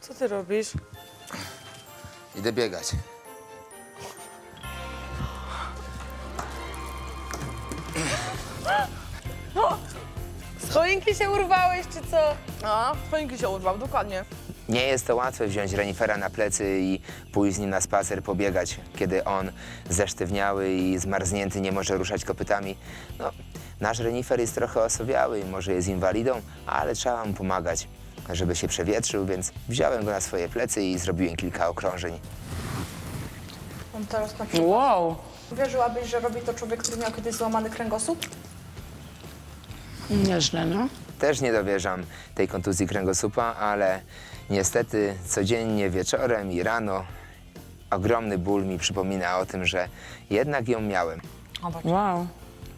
Co ty robisz? Idę biegać. Z choinki się urwałeś, czy co? A, choinki się urwał, dokładnie. Nie jest to łatwe wziąć renifera na plecy i pójść z nim na spacer, pobiegać, kiedy on zesztywniały i zmarznięty nie może ruszać kopytami. No, nasz renifer jest trochę osobiały i może jest inwalidą, ale trzeba mu pomagać, żeby się przewietrzył, więc wziąłem go na swoje plecy i zrobiłem kilka okrążeń. On teraz na przykład. Wow. Wierzyłabyś, że robi to człowiek, który miał kiedyś złamany kręgosłup? Nieźle, no. Też nie dowierzam tej kontuzji kręgosłupa, ale niestety codziennie wieczorem i rano ogromny ból mi przypomina o tym, że jednak ją miałem. Wow.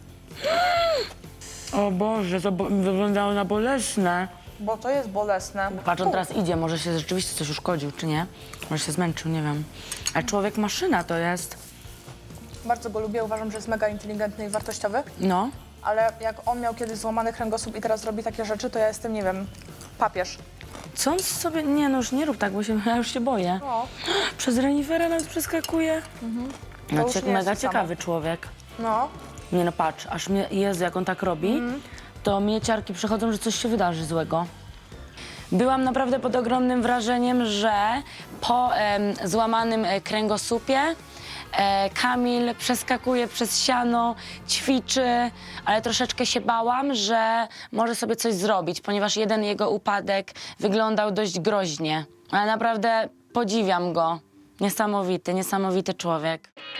O Boże, to wyglądało na bolesne. Bo to jest bolesne. Patrz, on teraz idzie, może się rzeczywiście coś uszkodził, czy nie? Może się zmęczył, nie wiem. Ale człowiek maszyna to jest. Bardzo go lubię, uważam, że jest mega inteligentny i wartościowy. No. Ale jak on miał kiedyś złamany kręgosłup i teraz robi takie rzeczy, to ja jestem, nie wiem, papież. Co on sobie... Nie, no już nie rób tak, bo ja już się boję. No, Przez renifera nas przeskakuje. To No, już nie jest mega to samo. ciekawy człowiek. no. Nie no, patrz, aż mnie... Jezu, jak on tak robi, to mnie ciarki przychodzą, że coś się wydarzy złego. Byłam naprawdę pod ogromnym wrażeniem, że po złamanym kręgosłupie Kamil przeskakuje przez siano, ćwiczy, ale troszeczkę się bałam, że może sobie coś zrobić, ponieważ jeden jego upadek wyglądał dość groźnie. Ale naprawdę podziwiam go. Niesamowity, niesamowity człowiek.